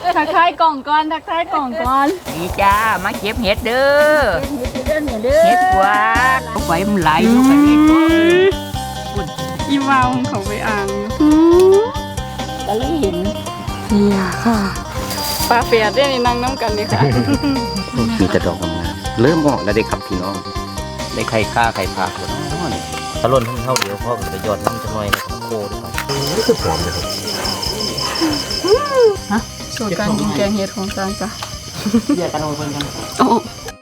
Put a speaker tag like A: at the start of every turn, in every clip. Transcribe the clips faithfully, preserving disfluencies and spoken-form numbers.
A: ทักทายกล่องก่อนทักทายกล่องก่อน
B: ดีจ้ามาเก็บเห็ดเด้อเห็ดกวาดไฟมันไหลอยู่กันนี่ตัว
A: อีวาวของเขาไปอ่าง
B: ก็เลยเห็น
A: เนี่ยค่ะปลาเฟียดได้ในนั่งน้ำกันนี่ค่ะ
C: มีแต่ดอกงามๆเริ่มออกแล้วเด็กครับพี่น้องได้ไข่ข้าไข่พาคนน้อยตะล่นทั้งเท่าเดียวพ่อก็จะยอดน้ำจะน้อยนะครับโคด้วยครับนี่คือหอมเลยครับ
A: ฮะสูตรการกินแกงเห็ดของจานจ้ะ
B: เดี๋ยวกันเอาไปกัน
A: โอ้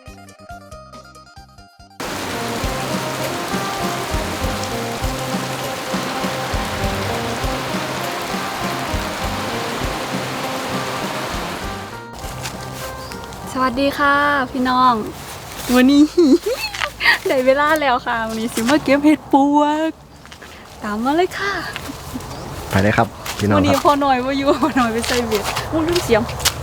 A: สวัสดีค่ะพี่น้องวันนี้ ได้เวลาแล้วค่ะวันนี้สิมาเก็บเห็ดปวกตามมาเลยค่ะ
C: ไปเลยครับพี่น้อง
A: วันนี้พอหน่อยว่าอยู่พอหน่อยไปใส่เบ็ดมุ่งรุ่งเสียง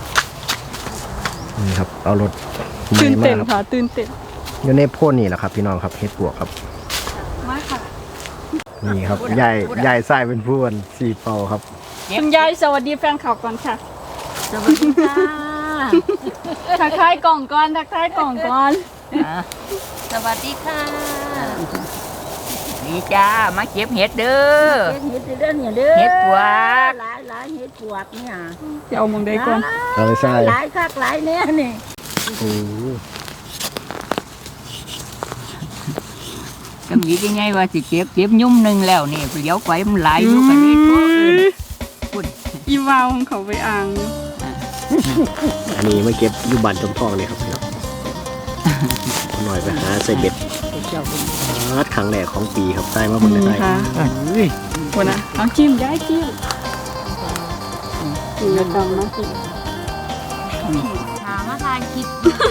C: นี่ครับเอารถ
A: ตื่นเต้นค่ะตื่นเต้น
C: อยู่ในโพ่นนี่แหละครับพี่น้องครับเห็ดปวกครับ
A: มาค่ะ
C: นี่ครับยายยายไส้เป็นผู้วันสีเปาครับ
A: คุณยายสวัสดีแฟนข่าวก่อนค่ะ
B: สวัสดีค่ะ
A: ทักทายกล่องก่อนทักทายกล่องก่อน
B: สวัสดีค่ะดีจ้ามาเก็บเห็ดเด้อ
D: เห็ดเด้อเนี่ยเด้อ
B: เห็ดปวก
D: หลายหลายเห็ดปวกเนี่ย
A: จะเอามองได้ก่อน
C: เอาไปใส่
D: หลายคักหลายเนี่ยนี่
C: โอ้
B: จำยี่ยังไงว่าสิเก็บเก็บยุ่มหนึ่งแล้วนี่เดี๋ยวไฟมันไหลอยู่กันนี่ตัวอื่น
A: อีวาวของเขาไปอ่าง
C: อันนี้ไม่เก็บอยู่บ้านจมทองเลยครับพี่น้องหน่อยไปหาใส่เบ็ดรัดครั้งแรกของปีครับใต้มาบนได้
A: คนนะเอาจิ้มย้ายจิ้มกินแล้วดำนะ
B: หามาทานคิด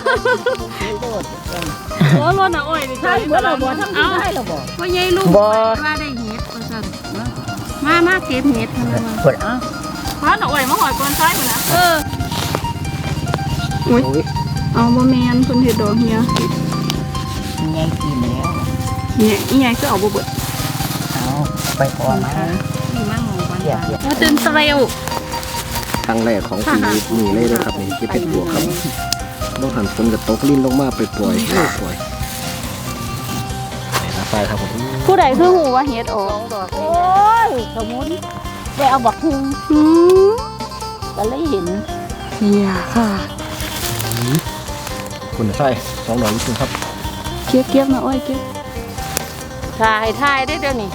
A: โอ้รถน่ะโอ้ย
D: ใช่เมื่อเราบอกทำที่ได้เราบอก
A: ว่ายัยลูกว่าได้เห็ดมามาเก็บเห็ดทำไมมา
B: เปิดอ่ะ
A: พระหน่อยมาหอยกวนไส้คนนะเอออุ้ยเอาบะเมียนคนเห็ดดอกเฮีย
B: ไงกินแล้ว
A: เนี่ยอีไงก็เอาบะเบิด
B: เอาไปก่อนนะ
A: นี่มั่งของวันว่าตื่นเร็ว
C: ครั้งแรกของปีนี้เลยนะครับนี่ที่เป็นบวกครับต้องหันฝนกับตกลิ้นลงมาไปปล่อยปล่อยนี่นะไฟครับผม
A: ผู้ใดคือหูว่าเห็ดออก
D: โอ้ยสมุนได้เอาบักฮึงก็เลยเห็น
A: เนี่ยค่ะ
C: คุณใส่สองหน่อยนิดนึงครับ
A: เก็บเก็บนะโอ้ยเก็บ
D: ถ่ายถ่ายได้เดี๋ยวนี้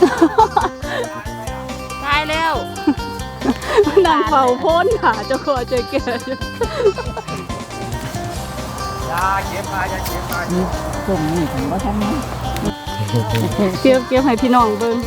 D: ถ่ายแล้ว
A: นางเฝ้าพ้นค่ะเจ้าขอเจอแก
C: ยาเก็บมาอย่าเก็บมา
B: ส่งนี่ผมก็ทำนะ
A: เก็บเก็บให้พี่น้องเบิ่ง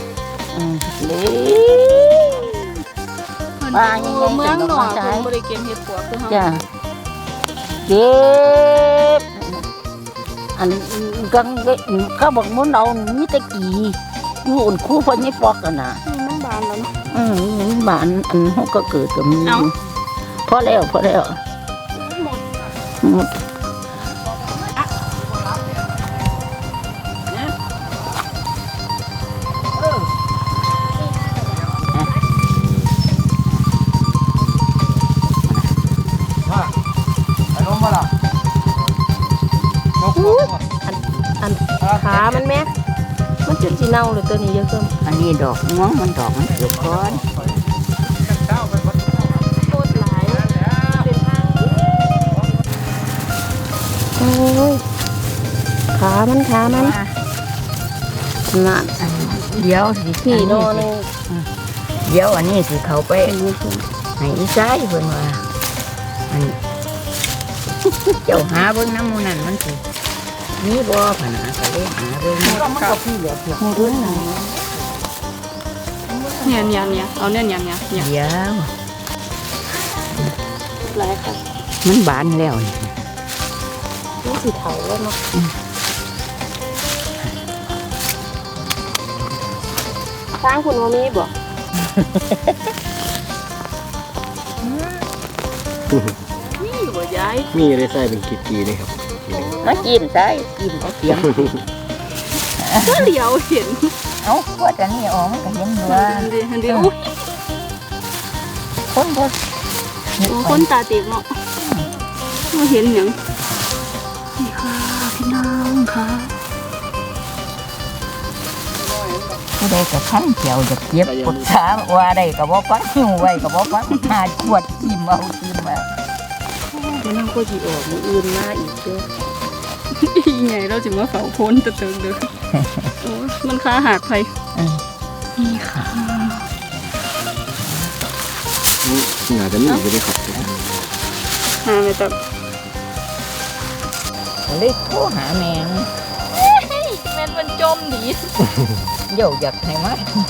D: ปลาอย่างเงี้ย
A: เมืองหนองเป็นบริเกณฑ์เห็ดปวกคือเขา
D: จ้ะเก็บอันกังเขาบอกมุ้นเรามีตะกี้อยู่อุ่นคู่พอนี่ปอกกันนะ
A: มันบานแล้วเนาะ
D: อืมมันบานอันเขาก็เกิดกับมีพอแล้วพอแล้วหมดหมดอันขามันแม่มันจุดจีเน่าเลยตัวนี้เยอะเกิน
B: อันนี้ดอกม่วงมันดอกมันเกิดก้อน
D: โคตรหลายเป็นทางโอ้ยขามันขามันนั่น
B: เดี๋ยวสิ
D: พี่นอน
B: เดี๋ยวอันนี้สิเขาไปให้อีซ้ายเพิ่นว่าอันเจ้าหาเบิ่งน้ำมูนั่นมันสินี่บ่ผนาก็เลยหาเบิ่ง
D: มันก็พี่เหลือเพียงเบิ่ง
A: เนี่ยเนี่ยเนี่ยเอาเนี่ยเนี่ยเนี่ย
B: เดี๋ยว
D: หลายค่ะ
B: มันบานแล้วนี่
D: นี่สีเทาแล้วเนาะสร้างคุณว่ามีบ่
A: มีบ่ยาย
C: มีเลยใส่เป็นกีๆนี่ครับ
D: มากินได้กินเอาเสียง
A: ก็เหลียวเห็น
B: เอ้าว่าแต่นี่ออกมันก็เห็นว่า
A: เดี๋ยวเดี๋ยว
B: คนบ่
A: โอ้คนตาเตียกเนาะมาเห็นหยังนี่ค่ะพี่น้องค่ะ
B: ผู้ใดก็ขั้นเขียวจะเก็บปวดขาว่าได้ก็บ่ฟังหิวไว้ก็บ่ฟังหาขวดจิ้มเอาจิ้มเอา
D: เดี๋ยวน้องก็สิออกมื้ออื่นมาอีกเด้อ
A: อีไงเราจะมาเฝ้าพ้นตะเติงเด้อโอ้ยมันค้าหักไป
B: อืม
A: นี่ค่ะ
C: งานจะมีอยู่ด้วยครับ
A: หาไม่ตับ
B: เลยโทรหาแม่ง
A: แม่นมันจมดี
B: เดี๋ยวอยากให้มา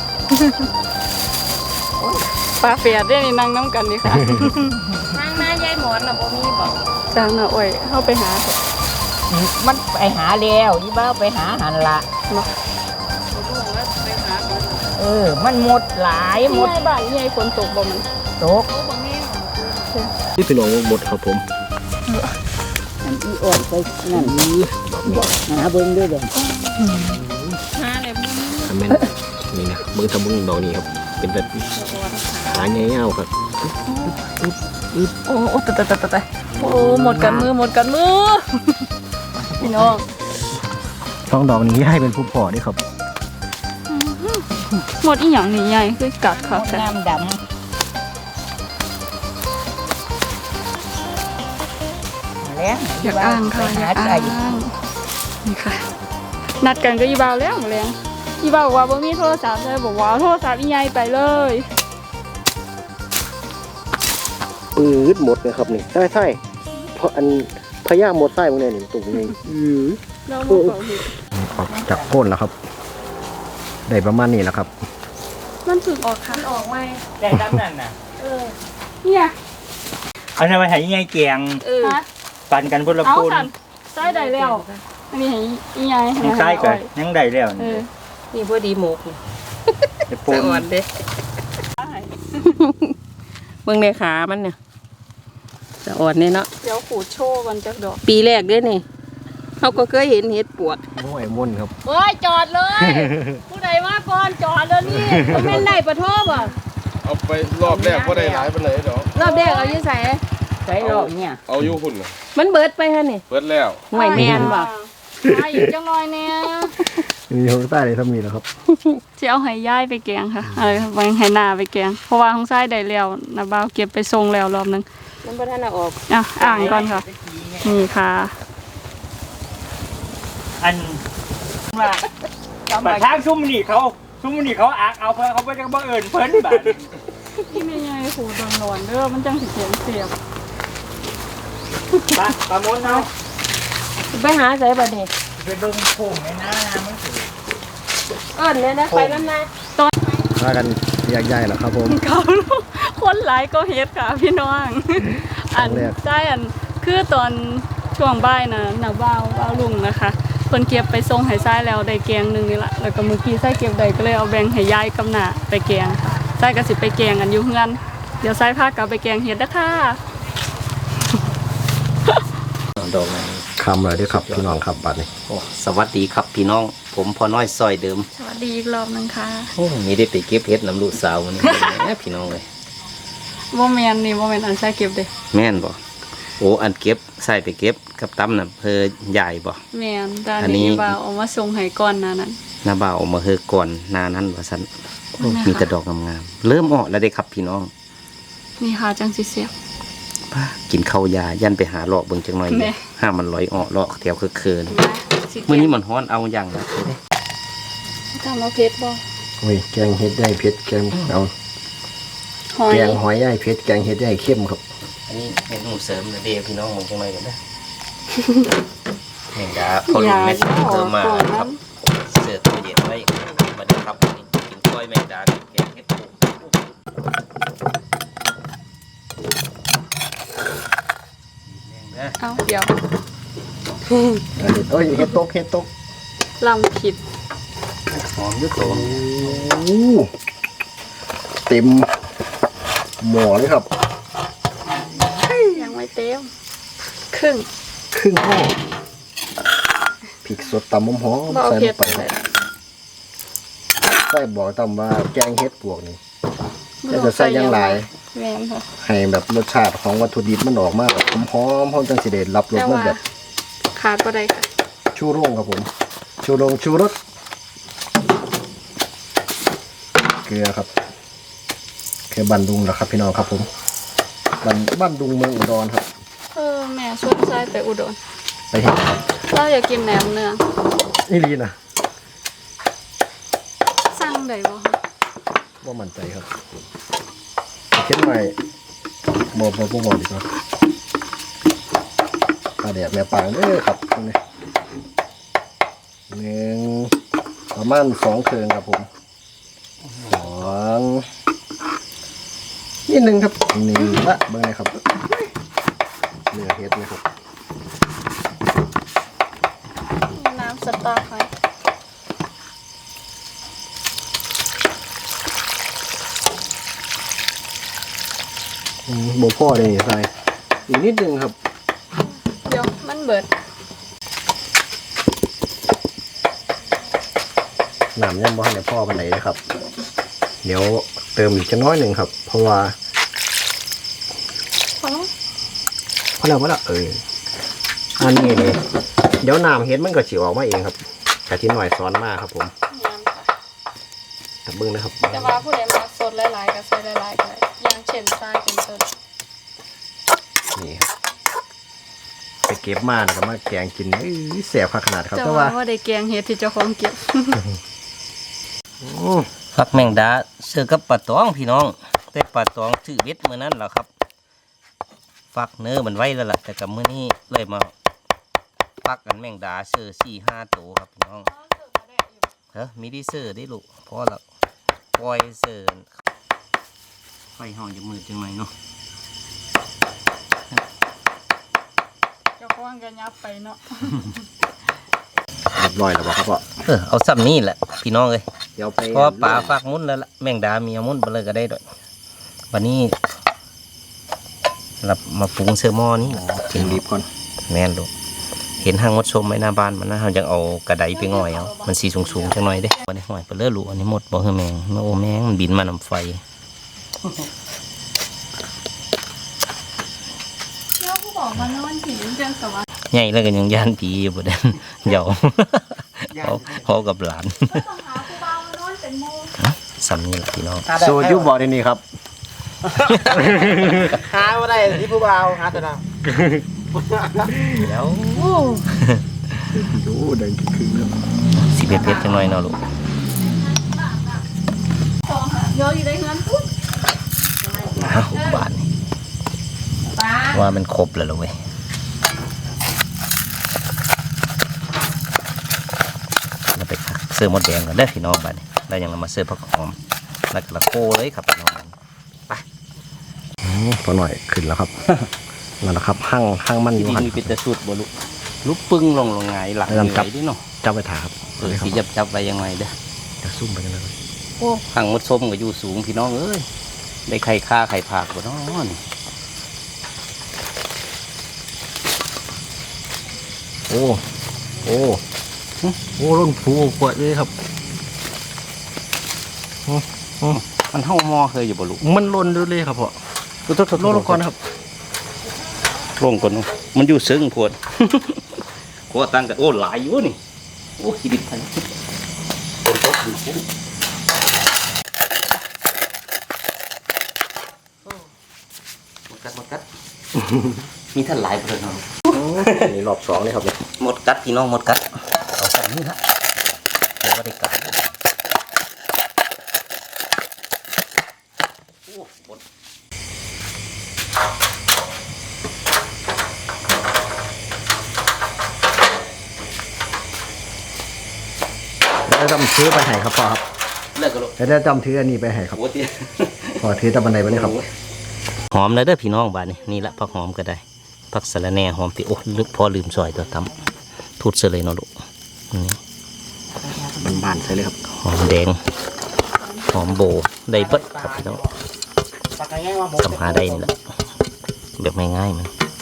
A: ปลาเฟียดได้นี่นั่งน้ำกันดีค่ะ
D: ทางหน้ายายหมอนน่ะบ่มีบ่
A: จางน่ะโอ้ยเข้าไปหาเถอะ
B: มันไปหาแล้วอีบ้าไปหาหันละ
A: มา
D: ไปหาบ่
B: เออ มันหมดหลายหม
A: ที่
B: ด
A: ให้บ้านที่ให้ฝนตกบ่มัน
B: ตก
D: บ่มี
C: ที่พี่น้องหมดครับผม
D: อันอีอ่อนไปนั่นหาเบิ่งด้วยเด้อ
A: หาเลยบ่มี
C: คอมเมนต์นี่นะมึงทำมึงดอกนี้ครับ เป็นแบบหาเงี้ยวครับ
A: โอ้โอ้ตะตะตะตะตะโอ้หมดกันมือหมดกันมือ พี่น้อง
C: ช่องดอกนี้ให้เป็นผู้พ่อด้วยครับ
A: หมดอีหยังนี่ใหญ่คือกัดค่ะ
B: หมด
A: แต่
B: น้ำดำมาแล้ว
A: อยากอ่างค่ะอยาก
B: ไปห
A: อ่า
B: ใจ
A: งนี่ค่ะ นัดกันก็อีบ่าวแล้วหมดแล้วอีบ่าวบอกว่าบ่มีโทรศัพท์เลยบอกว่าเอาโทรศัพท์อีใหญ่ไปเลย
E: ปืดหมดเลยครับนี่ใช่ใช่เพราะอันพญาหมดไส้พวกนี้นี่ตุ่มนี่อือ
A: เราบ่เปิดเห็ด
C: ออกจากโค่นแล้วครับ ได้ประมาณนี้แล้วครับ
A: มันถึงออกค่ะ
D: ออกไหม
F: ได้ตามนั่นน่ะ
D: เออ
A: เนี่ย
F: เอาทำไมหายยังไงเกียง
D: เออ
A: ฮะ
F: ปั่นกันพุ่นละ
A: เอา
F: ปูน
A: สันใส่ได้แล้วอันนี้ให้อีใหญ่ให้
F: ยังใต้กันยังได้แล้ว
A: เอ
F: นี่
A: อ
D: นี่พอดีหมก
F: จะปูน
D: อ่อนเด้เบิ่งในขามันเนี่ยจะอ่อนเนี่ยเนาะ
A: เดี๋ยวขูดโชว์กันจักดอก
D: ปีแรกเด้อนี่เขาก็เคยเห็นเห็ดปวก
C: โอ้ยม่นครับ
A: เฮ้ยจอดเลย ผู้ใดมาก่อนจอดเลยนี่ก็แม่นได้ปะโทบอ่ะ
G: เอาไปรอบแรกก็ได้หลายไปเลยดอก
A: รอบแรกเอาอยู่ใส่
B: ใส่รอบเนี่ย
G: เอาอยู่หุ่นน่ะ
D: มันเบิดไปฮะนี่
G: เปิดแล้ว
D: ห่วยแมนบ่
A: มาอีกจังหน่อยเนี่ย
C: มีข้างใต้เลยถ้ามีแล้วครับ
A: จะเอาให้ย่ายไปแกงค่ะเออวางให้นาไปแกงเพราะว่าของซ้ายได้แล้วนะบ่าวเก็บไปส่งแล้วรอบนึง
D: มันบ่ทันเอาออก
A: อ่ะอ่างก่อนค่ะนี่ค่ะ
F: อันว่าบัดทางซุ่มนี่เขาซุ่มนี่เขาอักเอาเพิ่นเขาไปจังบ่เอิญเพิ่นบาด
A: ที่ไม่ใหญ่ขูดนอนๆเด้อมันจังสิเสียงเสียบ
F: ปะปะมนเอา
D: ไปหาใส่บัดนี้
F: ไปเบิ่งโค้งในหน้านะมันสิ
D: เอิ้นเลยนะไปนำนะ
C: พากันแยกย้ายแล้วครับผม
A: เขาคนหลายก็เฮ็ดค่ะพี่น้อง อัน
C: ครั้งแรก
A: ใช่อันคือตอนช่วงบ่ายนะน่ะบ่าวบ่าวลุงนะคะเพิ่นเก็บไปส่งให้ซ้ายแล้วได้แกงหนึงนี่ล่ะแล้วก็เมื่อกี้ซ้ายเก็บได้ก็เลยเอาแบ่งให้ยายกับน้าไปแกงค่ะซ้ายก็สิไปแกงกันอยู่เฮือนเดี๋ยวซ้ายพากลับไปแกงเฮ็ดเด้อค่ะ
C: ดอกคำเลยด้วยครับพี่น้องครับบัดนี้
H: โอ้สวัสดีครับพี่น้อง ผมพอน้อยซอยเดิม
A: สวัสดีอีกรอบนึงค่ะ
H: โอ้มีได้ไปเก็บเห็ดน้ำลูกสาวมันนี้ แหมพี่น้องเลย
A: บ่แม่นนี่บ่แม่นอันซ้ายเก็บเด้
H: แม่นบ่โอ้อันเก็บใส่ไปเก็บกับตั้มน่ะเพอใหญ่บ่
A: แม่นแต่
H: อั
A: อั
H: น
A: น
H: นี้
A: นี้บ่าวเอามาส่งให้ก่อนหนานั้น
H: หน้าบ่าวเอามาเฮอก่อนหนานั้นว่าซั่นโอ้
A: นั่นแหละค่ะ
H: มีแต่ดอกงามๆเริ่มออกแล้วเด้ครับพี่น้อง
A: นี่ค่ะจังสิเสียบ
H: ป้ากินข้าวยายันไปหาเลาะเบิ่งจังหน่อย
A: แม่
H: ห้ามันลอยออกเลาะแถวคือคืน
A: สิ
H: มื้อนี้มันฮ้อนเอาอย่างละเด้
A: ทำเอาเพชรบ่
C: โอ้ยแกงเห็ดได้เผ็ดแกงเอา
A: หอย
C: แกงหอยได้เผ็ดแกงเห็ดได้เข้มครับ
H: อันนี้เมนูเสริมนะเด้พี่น้องมองจังหน่อยกันนะแม่งดาพอลุงแม่เติมมาครับ เสิร์ฟตู้เย็นไว้มาเดี๋ยวครับวันนี้กินกล้อยแมงดากับแกงเห็ดปูนะ
A: เอาเดี๋ยว
C: อันนี้โอ้ยเห็ดตกเห็ดตก
A: ลำผิด
H: หอมอยุ่โต
C: โอ้เต็มหม้อเลยครับ
A: ยังไม่เต็มครึ่ง
C: ครึ่งห่อพริกสดตำหอม
A: บ่
C: ๆ
A: เอา
C: ใส่
A: เผ็
C: ล
A: ด
C: งไปครับใส่บอกตำว่าแกงเห็ดปวกนี่แต่จะใส่อยังหลาย
A: แม่นค่ะ
E: ให้แบบรสชาติของวัตถุดิบมันออกมาแบบหอมๆหอมจังสิเดชรับรส
A: แต่
E: มัน
A: ว่า
E: แบบ
A: ขาดบ่ได้ค่ะ
E: ชูโรงครับผม ชูโรงชูรสเกลือครับเกลือบันดุงนะครับพี่น้องครับผมบันบ้านดุงเมืองอุดรครับ
A: เออแม่ชวนทรายไปอุดร
E: ไปเห็น
A: เราอยากกินแหนมเนือง
E: นี่ลีนะ
A: สั่งได้บ่คะ
E: ว่ามั่นใจครับเขียนใหม่บอบอบอบอดีกว่าปลาแดดแม่ปางเด้อครับตรงนี้หนึ่งประมาณสองเครื่องครับผมสองนิดนึงครับหนึ่งละเบิ่งเลยครับเนื้อเฮ็ดนะครับ
A: น้ำสต๊อกค่ะ
E: อืมโบพ่อเลยใส่อีกนิดนึงครับ
A: เดี๋ยวมันเบิด
E: น้ำยังบ่ทันได้พ่อปานใดเลยครับ เดี๋ยวเติมอีกจะน้อยหนึ่งครับ เพราะว่า
A: พอแล้ว
E: พอแล้วพอแล้วเอออันนี้เลยเดี๋ยวน้ำเฮ็ดมันก็สิออกมาเองครับกะทิหน่อยซ้อนมากครับผม
A: ยำค่ะ
E: ตับเบิ้งนะครับ
A: แต่ว่าผู้ใดมาสดหลายๆก็ใส่หลายๆก็ได้อย่างเช่นทรายเป็นต้น
E: นี่ครับไปเก็บมาแล้วก็มาแกงกินเอ้ยแสบขนาดครับ
A: จะ
E: แต่
A: ว่า
E: ว่า
A: ว่าได้แกงเฮ็ดที่เจ้าของเก็บ
E: อืม
H: ฟักแมงดาเสือกับปลาตองพี่น้อง แต่ปลาตองชื่อเบ็ดเมื่อนั้นแหละครับฟักเนื้อมันไว้แล้วล่ะแต่กับมื้อนี้เลยมาฟักกันแมงดาเสือสี่ห้าตัวครับพี่น้องเฮ้ยมีดีเสือได้ลูกพอแล้วปล่อยเสือไฟห้องจะมืดจังไหมเนาะ
A: เจ้าของก็ยับไปเนาะ
E: เรียบร้อยแล้วบ่ครับพ่อ
H: เออเอาซ้ำนี่แหละพี่น้องเลย
E: เดี๋ยวไป
H: เพราะว่าปลาฟักมุ้นแล้วล่ะแมงดามีเอามุ้นไปเลยก็ได้ด้วยวันนี้เรามาปรุงเสื้อหม้อนี่
E: ถึงรีบก่อน
H: แม่นลูกเห็นห้างมดชมไว้หน้าบ้านมันนะเราจะเอากระไดไปง่อยเอามันสีสูงๆจังหน่อยเด้วันนี้ห่อยไปเลือลูกอันนี้หมดบ่เฮือแมงโอ้แมงมันบินมานำไฟ
A: เจ้าผู้บอกมานอนผีเจังสวรรค์
H: ใหญ่แล้วก็ยังย่านผีอยู่บ่เด้น เหยาเขาเขากับหลาน
A: ต้องหาผู้บ่าวมานอนเป็นโม
H: สำนี่แหละพี่น้อง
E: โซยุบบ่ในนี้ครับ
F: หาบ่ได้ที่ผู้บ่าวหาแต่น้
H: เดี๋ยว
E: ดูเดินขึ้นๆแล้ว
H: สิเผ็ดๆจังหน่อยเนาะลูก
A: เยอะอยู่ได้เงินปุ๊บ
H: อ้าวบาทนี่ว่ามันครบแล้วเหรอเว้ยเราไปคักเสื้อมดแดงก่อนเด้อพี่น้องบาทนี่แล้วยังเรามาเสื้อผักหอมแล้วก็ละโก้เลยครับพี่น้อง
E: อืมพอหน่อยขึ้นแล้วครับ นั่นแหละครับห้างห้างมันอยู่
H: ที่
E: หัน
H: นี่เป็นแต่สูตรบ่ลูกลูกปึ้งลงลงไงหลัง
E: เริ่มจับ
H: เหนื่อยดิเนาะ
E: จับไปถ่ายครับ
H: เออสีจับจับไปยังไงเด้อ
E: จะซุ่มไปกันเลย
H: โอ้ขังมดส้มก็อยู่สูงพี่น้องเอ้ยได้ไข่ข้าไข่ผักบ่เน้อนี่
E: โอ้โอ้โอ้ร่นผูกวดเลยครับ
H: มันเท่าหม้อเคยอยู่บ่ลูก
E: มันล่นด้วยเลยครับพ่อ
H: โทษๆๆ
E: ล่นลงก่อนครับ
H: ลงก่อนเนาะมันอยู่ซึ้งพวด โคตั้งกันโอ้หลายอยู่นี่โอ้ชีวิตไทยคนตกอยู่พุ่งหมดกัดหมดกัด มีท่านหลายประเด็นเนาะ
E: นี่รอบสองเลยครับเนี่ย
H: หมดกัดพี่น้องหมดกัดเอาแบบนี้ฮะเดี๋ยวก็ได้กัดโอ้หมด
E: แล้วจำถือไปให้ครับพ่อครับ
H: เลิกกันลูก
E: แล้วจำถืออันนี้ไปให้ครับ
H: โอ้ตี
E: พ่อถือตะบันไดไปเลยครับ
H: หอมเลยเด้อพี่น้องบ้านนี่นี่ละผักหอมก็ได้ผักสะระแหน่หอมติโอ้ลึกพอลืมซอยตัวตำทูดเสยเลยเนาะลูกนี่
E: บานๆใช่เลยครับ
H: หอมแดงหอมโบได้เบิดครับพี่น้อง
F: ำปากง่ายๆว่าหมด
H: ทำหาได้นี่แหละแบบง่ายๆมัน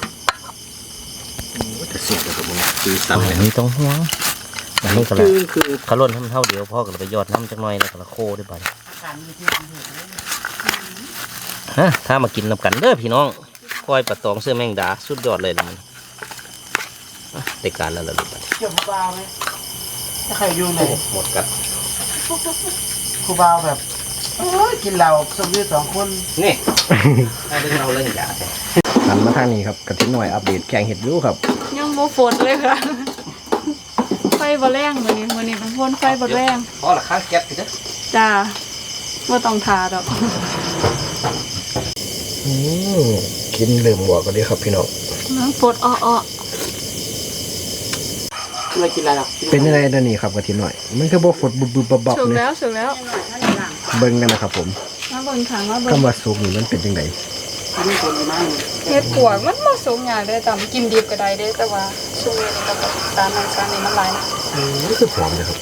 E: จะเสียบเลยครับผมคือ
H: อั
E: ซ้ำเลย
H: นนี้ต้องห่วงอันนี้ก็ละ
E: คือคือ
H: เขาล่นทำเท่าเดียวพ่อก็เลยไปยอดน้ำจักหน่อยแล้วก็ละโคด้วยบ้านฮะถ้ามากินนำกันเด้อพี่น้องก้อยปลาตองเสื้อแมงดาสุดยอดเลยละมันอ่ะได้การแล้วล่ะลูก
D: เกี่ยวกับบ่าวไหมถ้าใครอยู่ไหน
H: หมดกัน
D: ครูบ่าวแบบโอ้ยกินเหล้าสมอยู่สองคน
H: นี่ เอาเรื่องเราเรื่องยาใช่
E: หันมาทางนี้ครับกระทิหน่อยอัปเดตแกงเห็ดอยูครับ
A: ยังโมฝนเลยค่ะ ไฟบ่แรงมื้อนี้มื้อนี้เป็นพ่นไฟบ่แรง
H: พอละข้างแก๊สสิเด้อ
A: จ้าบ่ต้องทาดอก
E: อืมกินลืมหัวก็ดีครับพี่น้อง
A: น้ำฝนอ้อ
D: ไม่กินอะไรหรอก
E: เป็นยังไงเดี๋ยวนี้ครับกระทิหน่อย มันคือบ่ฝดบุบบุบบับบับ
A: ๆสุก
E: เลย
A: แล้วสุกแล้ว
E: เบิ่งกันนะครับผม
A: มาเบิ่งขังมาเบิ่ง
E: คำว่าสุกนี่มันเป็นยังไง
D: อันนี้คนมาก
A: เฮ็ดปวกมันบ่สุกยากเด้ตำกินดิบก็ได้เด้แต่ว่าช่วงนี้นี่ก็แบบตามนั้นซานี่มันหลายนะ
E: อืมนี่คือหอมเลยครับ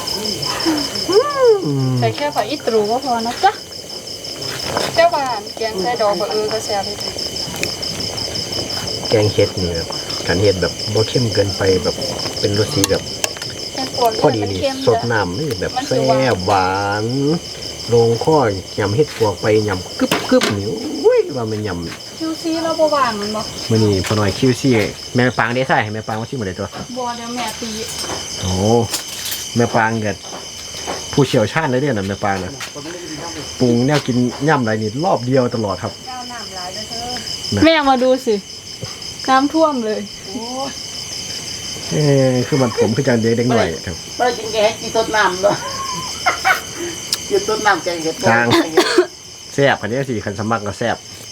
E: อืม
A: ใส่แค่ผักอีตรูก็พอนะจ๊ะเจ้าบ้านแกงใส่ดอกบะเอือก็แซ่บดี
E: แกงเห็ดนี่แบบการเห็ดแบบบ่เข้มเกินไปแบบเป็นรสสีแบบ
A: แกงปวก
E: พอดี
A: มัน
E: นี่
A: เค็ม
E: สด
A: จ้ะ
E: น้ำนี่แบบ
A: มันสิ
E: แซ่
A: หวาน
E: บหวานลงข้อยำเห็ดปวกไปยำกึบกึบๆนี่อุ้ยว่ามันยำ
A: คิวซีเราบ่ว่างมันบ่
E: มื่อนี้พอหน่อยคิวซี่แม่ปางได้ใส่ให้แม่ปางมาชิมหมดเลยตัว
A: บ่เดี๋ยวแม่ตี
E: โอ้แม่ปางเกิดผู้เชี่ยวชาญเลยเนี่ยนะแม่ปางนะปรุงแนวกินย่ำไรนี่รอบเดียวตลอดครับ
A: แม่มาดูสิน้ำท่วมเลย
E: เออคือมันผมคือจังเด็กเด็กหน่อยครับ
D: ไม่ได้กินแกงกินต้นน้ำด้วยกินต้นน้ำแกงเห็ด
E: จางแซ่บคันนี้สิคันสมัครก็แซ่บ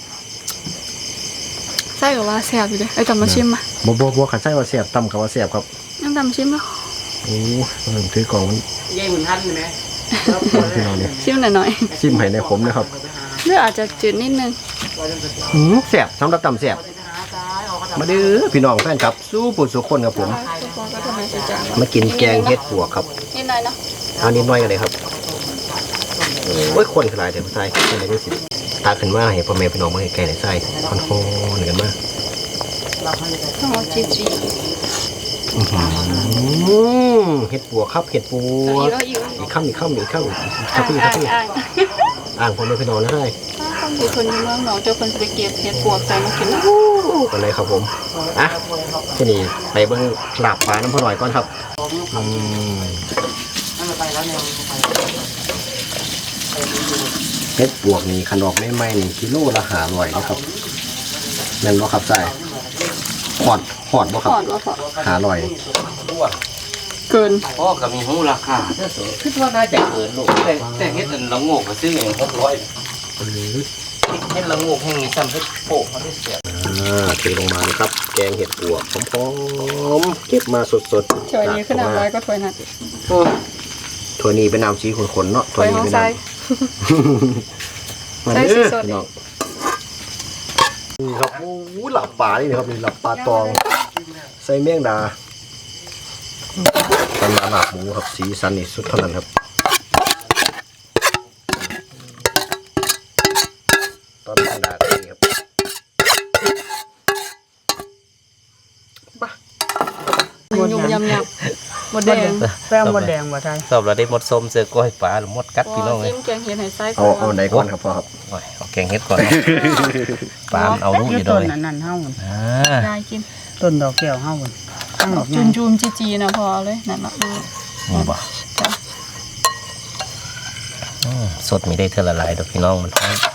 A: ใส่ก็ว่าแซ่บอยู่เด้ไอ้ตำมาชิมมา
E: บ่บ่บ่คันใส่ว่าแซ่บตำกับว่าแซ่บครับ
A: ยังตำชิมแล้ว
E: โอ้เริ่มถือกล่องมัน
D: ยายหุ่นทันไหม
E: พี่น้องเนี่ย
A: ชิมหน่อย
E: ซิมให้ในผมนะครับ
A: ๆหรืออาจจะจืดนิดนึง
E: หืมแซ่บสำหรับตำแซ่บมาเด้อพี่น้องแฟนครับสู้ปุ่นสุคนครับผม
A: ทุกคนก็ทำไมสิจ้า
E: มากินแกงเห็ดปวกครับ
A: นิดหน่อยเนาะ
E: เอานิดหน่อยกันเลยครับโอ้ยคนขลายแต่ผู้ชายเป็นอะไรก็สิตาขึ้นมาเห็นพ่อแม่พี่น้องมาใกล้ๆในไส้คอนโทรเหมือนกันมาก
A: ต้องเอาจีจี
E: อื้อหือเห็ดปัวครับเห็ดปัว
A: อีกแล้วอีกแล้ว
E: อีกข้ามอีกข้ามอีกข้ามอีก
A: อ่า
E: ข้าง
A: ง
E: พี่
A: อ่า
E: ข้าง
A: ง
E: พี่
A: อ่าง
E: อ่างพ่อแม่พี่น้องนะได้
A: ต้องมีคนอยู่เมืองหนองเจ้าคนจะไปเก็บเห็ดปวกใส่มากินนะ
E: กันเลยครับผมอ่ะที่นี่ไปเบิ้งหลาบปลาน้ำพ่อหน่อยก่อนครับอืมเห็ดปวกนี่ขนมไม่ไม่นี่กิโลละหาร้อยนะครับนั่นบ่ครับใส่หอดหอดบ่ค
A: ถ
E: รับ
A: อดว่าพอ
E: หาร้อย
A: เกิน
H: พ่อก็มีหูราคาเด้อสูคิดว่าน่าจะเกินลูกแต่แต่เฮ็ดอันละโงกก็ซื้อเองหกร้อยเฮ็ดละโงกแห้งนี่ซ้ำเฮ็ดโปะเขาได้เสีย
E: อ่าเทลงมานะครับ แกงเห็ดปวกหอมๆเก็บมาสดๆ
A: ถ้วยนี้ขึ้นน้ำร้อยก็ถ้วยนั้น
E: ถ้วยนี้เป็นน้ำสีขนๆเนาะ
A: ถ้วยของ
E: เป็น
A: ใส่
E: น้ำ
A: ใส่สีสด
E: พี่น้องนี่ครับโอ้โหหลับปลานี่นะครับนี่หลับปลาตองใส่แมงดาตอนหลับหมูครับสีสันนี่สุดเท่านั้นครับตอนแมงดาก็นี่ครับ
A: ยุ่มยำยำหมดแดง
D: แป้งมดแดงบ่ไทย
H: สอบเราได้หมดส้มเสือก้อยปลาหรือหมดกัดพี่น้องเลย
A: จิ้มแกงเห็ดไห่ไส้
E: เอาเอาไหนก่อนครับพ่อครับ
H: โอ้ยเอาแกงเฮ็ดก่อนปลามันเอาลูกอยู่ด้
D: ต้
H: วน ย
D: นั้นนั่นเฮา
H: อ่า
A: ได้กิน
D: ต้นดอกแก้วเฮาตั้งดอก
A: จุนจูมจีจีนะพอเลยนั่นนะ
H: นี่บ่
A: จ้ะ
H: อืมสดมีได้เท่าละลายดอกพี่น้องมันหอม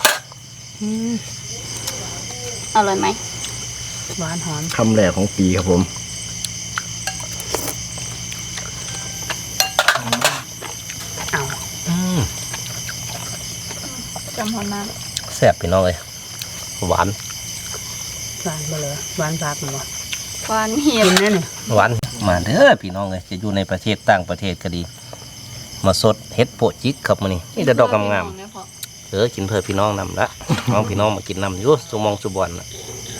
A: อร่อยไหม
D: หวานหอม
E: คำแรกของปีครับผม
H: อืม
A: จำหอนมา
H: แซ่บพี่น้องเลยหวาน
D: หวานบ่เลยหวานพักมันบ่
A: หวานเห็ด
D: กินแน่นี่
H: หวานมาเด้อพี่น้องเลยจะอยู่ในประเทศต่างประเทศก็ดี มาสดเฮ็ดโปะจิกครับมื้อนี้นี่แต่ดอกงามๆเออกินเพื่อพี่น้องนำละน้องพี่น้องมากินนำอยู่สุมองสุบอนน่ะ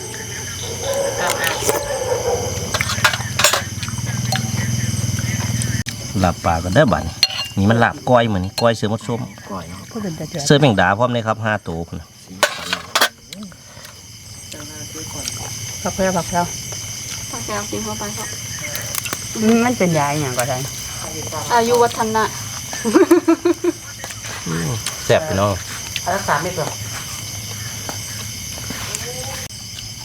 H: ลาบปลากันเด้อบัดนี้นี่มันลาบก้อยเหมือนนี่ก้อยเสือมดส้ม
D: ผู้เป็นตาเจือ
H: เสือแมงดาพร้อมเลยครับห้าตัวพุ่นน่ะ
D: ผักแพรวผักแพรว
A: ปลาแก้วกินเข้าไปครับ
D: มันเป็นยาอหย่างก็ได้
A: อายุวัฒนะ
H: แซ่บพี่น้อง
D: รักษาไม่เปล่า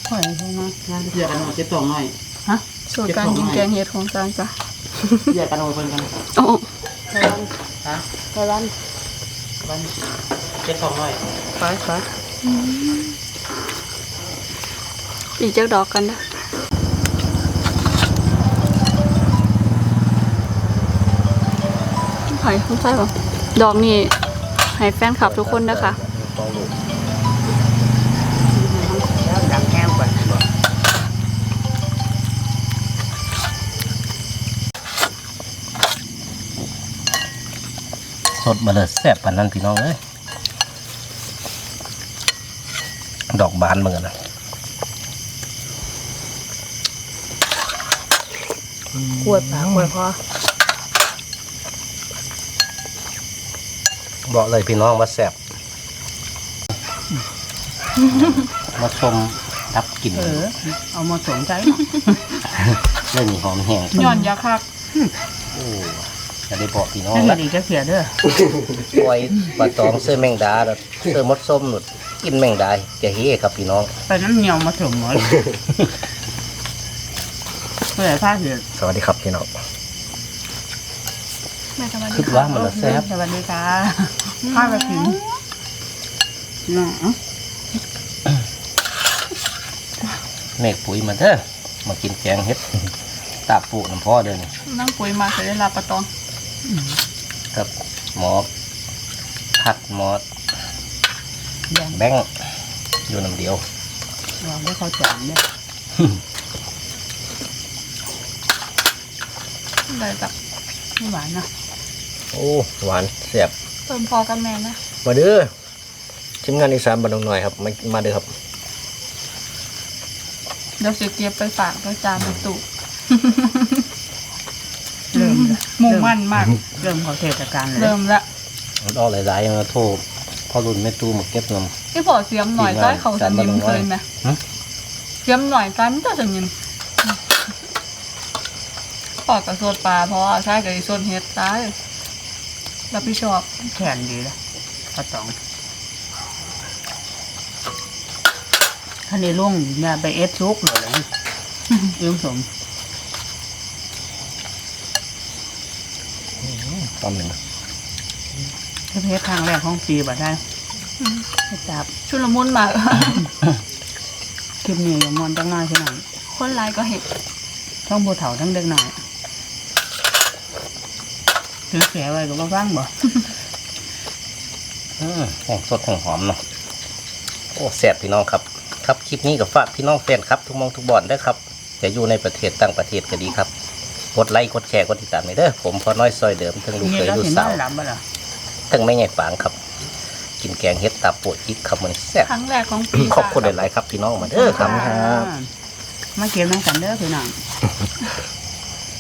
D: ข่อยใช่ไหมงาน
F: เรียกกันว่าเจ็ดตองหน่อย
A: สูตรการกินแกงเห็ดของจานจ้ะ
F: เรียกกันว่าเพิ่นกัน
A: โอ้
D: ไต้หวันฮะไต้หวัน
F: วันเจ็ดตองหน่อย
D: ไปไป
A: ปีเจ้าดอกกันนะไผ่คุณใช่ปะดอกนี่ให้แฟนคลับทุกคนนะคะ
B: แล้วดังแห้งกว่า
C: สดมาเลยแซ่บปานนั้นพี่น้องเอ้ยดอกบานเหมือนกันนะ
D: ปวดปากปวดคอ
C: บอกเลยพี่น้องว่าแซ่บมาชมรับกลิ่น
D: เออเอามาสนใจเนาะ
C: เรื่องนี้หอมแห้ง
A: ย่อนยาคัก
C: โอ้จะได้บอกพี่น้อง
D: ถ้าเห็
C: ละ
D: นอีกจะเสียเด้อ
C: ปล่อยปลาตองเสื้อแมงดาแล้วเสื้อมดส้มหนุดกินแมงดาจะเฮ้ครับพี่น้อง
D: ไปน้ำเหนียวมาถึงหมดเมื่อไหร่พลาดเสีย
C: สวัสดีครับพี่น้อง
A: แม่ทำไม
C: คิดว่ามันละแซ่บ
D: สวัสดีค่ะพลาดไปถึงน่ะ
C: เมฆปุ๋ยมาเด้อมากินแกงเห็ดตาปูน้ำพ่อเด้อนี่
A: นั่งปุ๋ยมาใส่ได้ลาปลาตอง
C: ครับหมอพัดหมอ
D: แดง
C: แบงค์อยู่น้ำเดียว
D: ลองได้เข้าจานเนี่ย
A: ได้จับ
D: ไม่หวานนะ
E: โอ้หวานแซ่บ
A: เติมพอกันแม่นะ
E: มาเด้อทีมงานอีสานบ้านดงหน่อยครับมามาเด้อครับ
A: เดี๋ยวสิเก็บไปฝากด้วยจานในตู้
D: เริ่มละ
A: มุ่งมั่นมาก
D: เริ่มเข้าเทศกาลเลย
A: เริ่มละ
C: มันออกหลายๆมาโทษพอรุ่นแม่ตู้มาเก็บนำ
A: พี่พอเสียมหน่อยใต้เขาสนิมเคยไหม
C: หึ
A: เสียมหน่อยใต้มันจะสนิมปอดกับโซดปลาเพราะว่าใช่กับไอ้โซนเฮ็ดตายรับผิดชอบ
D: แขนดีละปลาตองท่านในลุงเนี่ยไปเอสซุกเลยเลยยืมสม
E: ตอนหนึ่ง
D: เทศครั้งแรกของปีบ่ได้ให้จับ
A: ชุลมุนมาก
D: คลิปนี้อย่ามอนจังน้อยพี่น้อง
A: คนไลายก็เห็ด
D: ทั้งผู้เฒ่าทั้งเด็กหน่อยถือแขไว้ก็บ่ฟังบ่
C: อืมแห้งสดแห้งหอมเนาะโอ้แซ่บพี่น้องครับ ครับคลิปนี้กับฝากพี่น้องแฟนครับทุกหมองทุกบ่อนเด้อครับจะอยู่ในประเทศต่างประเทศก็ดีครับกดไลค์กดแชร์กดติดตามให้เด้อผมพอน้อยซอยเดิมทั้งลูก
D: นี่
C: เคย
D: เรา
C: ลูก
D: เห็น
C: สาว
D: ว่าหลับบ่ล่ะ
C: ทั้งแม่ใหญ่ฝางครับ กินแกงเฮ็ดตาโปะจิกครับมันแซ่บ
A: ครั้งแรกของปี
C: ขอบคุณหลายๆครับพี่น้องมาเด้อครับ
D: มาเก็บน้ำกันเด้อพี่น้อง